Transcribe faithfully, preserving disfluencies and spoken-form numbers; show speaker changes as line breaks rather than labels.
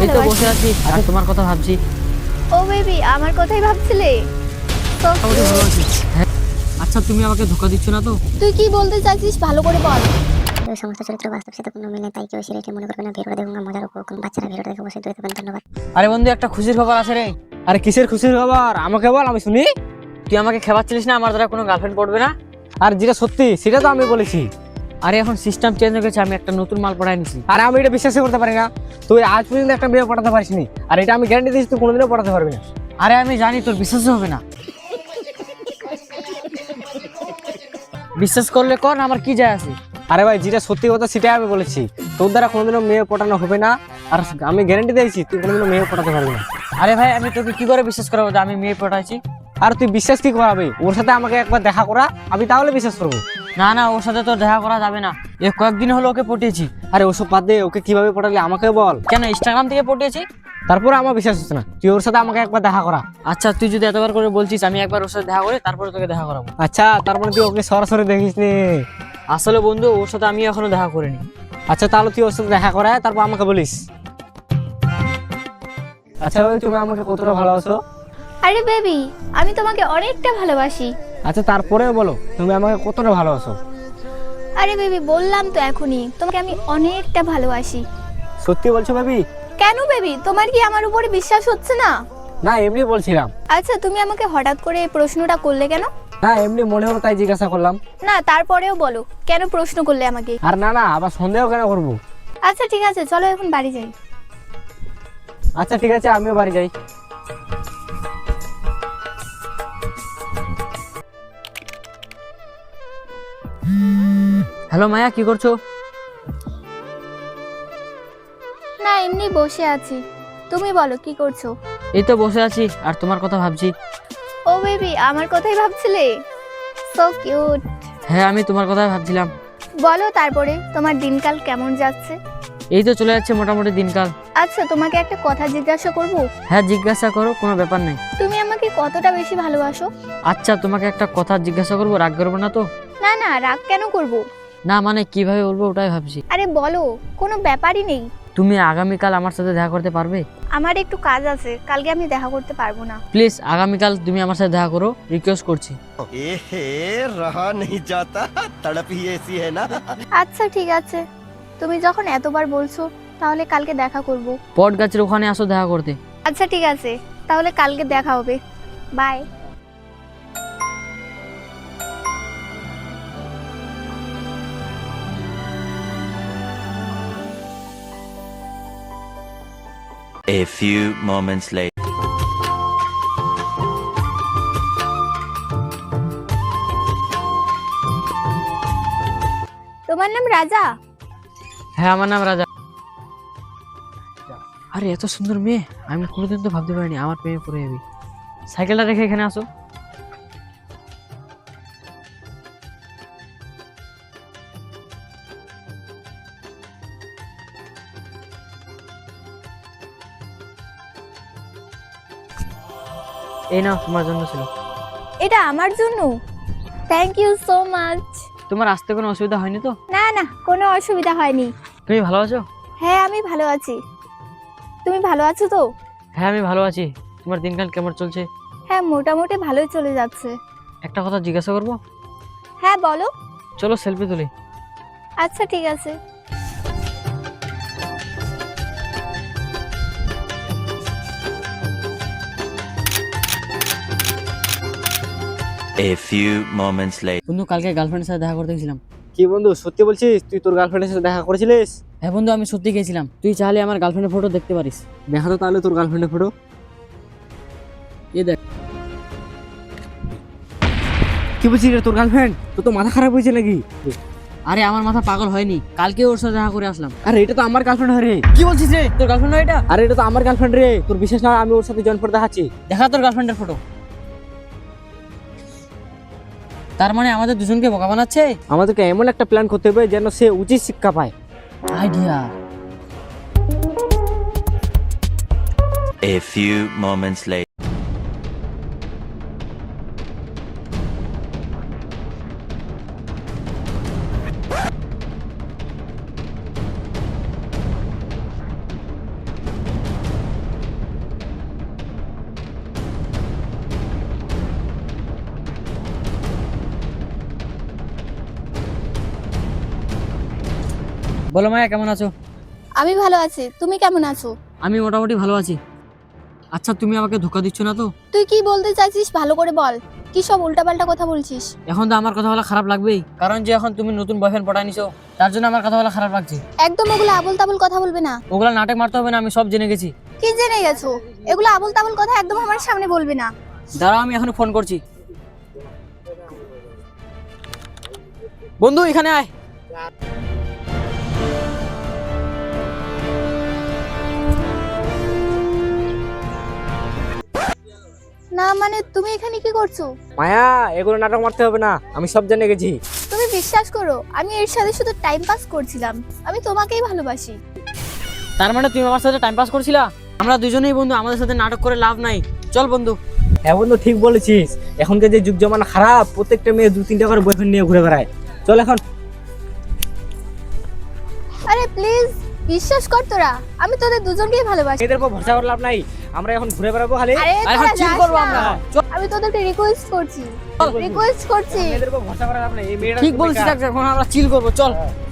এই তো বসে আছি আর তোমার কথা ভাবছি।
ও বেবি, আমার কথাই ভাবছিলে? তো
মোটামুটি ভালো আছি। হ্যাঁ, আচ্ছা তুমি আমাকে ধোকা দিচ্ছ না তো?
তুই কি বলতে চাইছিস ভালো করে বল।
এই সমস্ত চরিত্র বাস্তব সাথে কোনো মিল নেই, তাই কেউ সিরিয়াসলি মনে করবে না। ভিডিওটা দেখুন, মজার উপভোগ করুন। বাচ্চারা ভিডিওটা দেখে অবশ্যই দেখবেন। ধন্যবাদ।
আরে বন্ধু, একটা খুশির খবর আছে রে।
আরে কিসের খুশির খবর? আমাকে বল, আমি শুনি।
তুই আমাকে খেপাচ্ছিলিস না আমার দ্বারা কোনো গার্লফ্রেন্ড পড়বে না?
আর যেটা সত্যি সেটা তো আমি বলেছি।
আরে এখন সিস্টেম চেঞ্জ হয়ে গেছে, আমি একটা নতুন মাল পড়াই নিছি।
আর আমি এটা বিশ্বাসই করতে পারি না। তুই আজ পর্যন্ত একটা মেয়ে পড়াতে পারিসনি, আর এটা আমি গ্যারান্টি দিচ্ছি তুই কোনোদিনও পড়াতে পারবি না।
আরে আমি জানি তোর বিশ্বাসই হবে না। বিশ্বাস করলে কর, আমার কি যায় আছে।
আরে ভাই, যেটা সত্যি কথা সেটাই আমি বলেছি। তোর দ্বারা কোনোদিনও মেয়ে পটানো হবে না, আর আমি গ্যারান্টি দিয়েছি তুই কোনোদিনও মেয়ে পটাতে পারবি না।
আরে ভাই, আমি তোকে কি করে বিশ্বাস করাবো যে আমি মেয়ে পটাইছি?
আর তুই বিশ্বাস কি করাবি? ওর সাথে আমাকে একবার দেখা করা, আমি তাহলে বিশ্বাস করবো।
না না, ওর সাথে তো দেখা করা যাবে না। এ কয়েকদিন হলো ওকে পটিয়েছি।
আরে ওসব বাদ দে, ওকে কিভাবে পটালি আমাকে বল।
কেন, ইনস্টাগ্রাম থেকে পটিয়েছি।
তারপরে আমার বিশ্বাস হচ্ছে না, তুই ওর সাথে আমাকে একবার দেখা করা।
আচ্ছা তুই যদি এতবার করে বলছিস, আমি একবার ওর সাথে দেখা করে তারপরে তোকে দেখা করাবো।
আচ্ছা, তার মানে তুই ওকে সরাসরি দেখিস নি?
আসলে বন্ধু, ওর সাথে আমি এখনো দেখা করিনি।
আচ্ছা তাহলে তুই ওর সাথে দেখা করায় তারপর আমাকে বলিস। আচ্ছা ভাই, তুমি আমাকে কতটা ভালোবাসো?
আরে বেবি, আমি তোমাকে অনেকটা ভালোবাসি।
আচ্ছা তারপরেও বলো, তুমি আমাকে কতটা ভালোবাসো?
আরে বেবি, বললাম তো এখনই, তোমাকে আমি অনেকটা ভালোবাসি।
সত্যি বলছো ভাবি?
কেন বেবি, তোমার কি আমার উপরে বিশ্বাস হচ্ছে না?
না, এমনি বলছিলাম।
আচ্ছা, তুমি আমাকে হঠাৎ করে এই প্রশ্নটা করলে কেন?
না, এমনি মনে হলো তাই জিজ্ঞাসা করলাম।
না, তারপরেও বলো, কেন প্রশ্ন করলে আমাকে?
আর না না, আবার সন্দেহ কেন করবো?
আচ্ছা ঠিক আছে, চলো এখন বাড়ি যাই।
আচ্ছা ঠিক আছে, আমিও বাড়ি যাই।
হ্যালো মায়া, কি করছো?
না, এমনি বসে আছি। তুমি বলো কি করছো?
এই তো বসে আছি আর তোমার কথা ভাবছি।
ও বেবি, আমার কথাই ভাবছিলে? So cute.
হ্যাঁ, আমি তোমার কথাই ভাবছিলাম।
বলো তারপরে, তোমার দিনকাল কেমন যাচ্ছে?
এই তো চলে যাচ্ছে মোটামুটি দিনকাল।
আচ্ছা, তোমাকে একটা কথা জিজ্ঞাসা করব?
হ্যাঁ জিজ্ঞাসা করো, কোনো ব্যাপার নাই।
তুমি আমাকে কতটা বেশি ভালোবাসো?
আচ্ছা তোমাকে একটা কথা জিজ্ঞাসা করবো, রাগ করবো না তো?
না না, রাগ কেন করব?
না মানে কিভাবে বলবো ওটাই ভাবছি।
আরে বলো, কোনো ব্যাপারই নেই।
তুমি আগামীকাল আমার সাথে দেখা করতে পারবে?
আমার একটু কাজ আছে, কালকে আমি দেখা করতে পারবো না।
প্লিজ আগামীকাল তুমি আমার সাথে দেখা করো, রিকোয়েস্ট করছি।
एहे रहा नहीं जाता, तड़प ही ऐसी है ना।
আচ্ছা ঠিক আছে, তুমি যখন এতবার বলছো তাহলে কালকে দেখা করব।
পট গাছের ওখানে আসো দেখা করতে।
আচ্ছা ঠিক আছে, তাহলে কালকে দেখা হবে। Bye.
A few moments later.
তোমার নাম রাজা?
হ্যাঁ, আমার নাম রাজা। আরে এত সুন্দর মেয়ে, আমি কোনোদিন তো ভাবতে পারিনি আমার প্রেমে পড়ে যাবি। সাইকেলটা রেখে এখানে আসো। এই নাও, তোমার জন্য ছিল।
এটা আমার জন্য? Thank you so much.
তোমার আসতে কোনো অসুবিধা হয়নি তো?
না না, কোনো অসুবিধা হয়নি।
তুমি ভালো আছো?
হ্যাঁ আমি ভালো আছি। তুমি ভালো আছো তো?
হ্যাঁ আমি ভালো আছি। তোমার দিনকাল কেমন চলছে?
হ্যাঁ, মোটামুটি ভালোই চলে যাচ্ছে।
একটা কথা জিজ্ঞাসা করবো?
হ্যাঁ বলো।
চলো সেলফি তুলি।
আচ্ছা ঠিক আছে।
A few moments later.
বন্ধু, কালকে গার্লফ্রেন্ডের সাথে দেখা করতে গেছিলাম।
কি বন্ধু, সত্যি বলছিস? তুই তোর গার্লফ্রেন্ডের সাথে দেখা করেছিলিস?
হ্যাঁ বন্ধু, আমি সত্যি গেছিলাম। তুই চাইলে আমার গার্লফ্রেন্ডের ফটো দেখতে পারিস।
দেখা তো তাহলে তোর গার্লফ্রেন্ডের ফটো।
এই দেখ।
কি বলছিস রে, তোর গার্লফ্রেন্ড? তোর তো মাথা খারাপ হয়েছে নাকি?
আরে আমার মাথা পাগল হয়নি, কালকে ওর সাথে দেখা করে আসলাম।
আরে এটা তো আমার গার্লফ্রেন্ড রে।
কি বলছিস রে, তোর গার্লফ্রেন্ড হয় এটা?
আরে এটা তো আমার গার্লফ্রেন্ড রে, তোর বিশেষ না, আমি ওর সাথে জয়েন করে দেখাচ্ছি।
দেখা তোর গার্লফ্রেন্ডের ফটো। তার মানে আমাদের দুজনকে বোকা বানাচ্ছে।
আমাদেরকে এমন একটা প্ল্যান করতে হবে যেন সে উচিত শিক্ষা পায়।
Idea.
A few moments later.
বলো মায়া, কেমন আছো?
আমি ভালো আছি, তুমি কেমন আছো?
আমি মোটামুটি ভালো আছি। আচ্ছা, তুমি আমাকে ধোকা দিচ্ছ না তো?
তুই কি বলতে চাইছিস ভালো করে বল, কি সব উল্টাপাল্টা কথা বলছিস?
এখন তো আমার কথা বলা খারাপ লাগবেই, কারণ যে এখন তুমি নতুন বয়ফ্রেন্ড পটাই নিছো, তার জন্য আমার কথা বলা খারাপ লাগছে।
একদম ওগুলো আবল তাবল কথা বলবে না।
ওগুলা নাটক মারতে হবে না, আমি সব জেনে গেছি।
কি জেনে গেছো? এগুলো আবল তাবল কথা একদম আমার সামনে বলবে না।
দাঁড়াও, আমি এখন ফোন করছি। বন্ধু এখানে আয়।
না মানে তুমি এখানে কি করছো?
মায়া, এগুলো নাটক মারতে হবে না, আমি সব জেনে গেছি।
তুমি বিশ্বাস করো, আমি এর সাথে শুধু টাইম পাস করছিলাম। আমি তোমাকেই ভালোবাসি।
তার মানে তুমি আমার সাথে টাইম পাস করছিলা? আমরা দুজনেই বন্ধু, আমাদের সাথে নাটক করে লাভ নাই। চল বন্ধু।
হ্যাঁ বন্ধু, ঠিক বলেছিস। এখনকার যে যুগ জমানা খারাপ, প্রত্যেকটা মেয়ে দু তিনটা করে বয়ফ্রেন্ড নিয়ে ঘুরে বেড়ায়। চল এখন।
আরে প্লিজ বিশ্বাস কর তোরা, আমি তোদের দুজনকেই ভালোবাসি।
মেয়েদের উপর ভরসা করে লাভ নাই, আমরা এখন ঘুরে বেড়াবো খালি।
আরে
আর এখন
তোরা
চিল
যাস
করবো
না।
আমরা। চল।
আমি তোদেরকে রিকোয়েস্ট করছি, রিকোয়েস্ট করছি।
মেয়েদের উপর ভরসা করে লাভ নাই, এই মেয়েরা
ঠিক বলছিস, এখন আমরা চিল করবো, চল।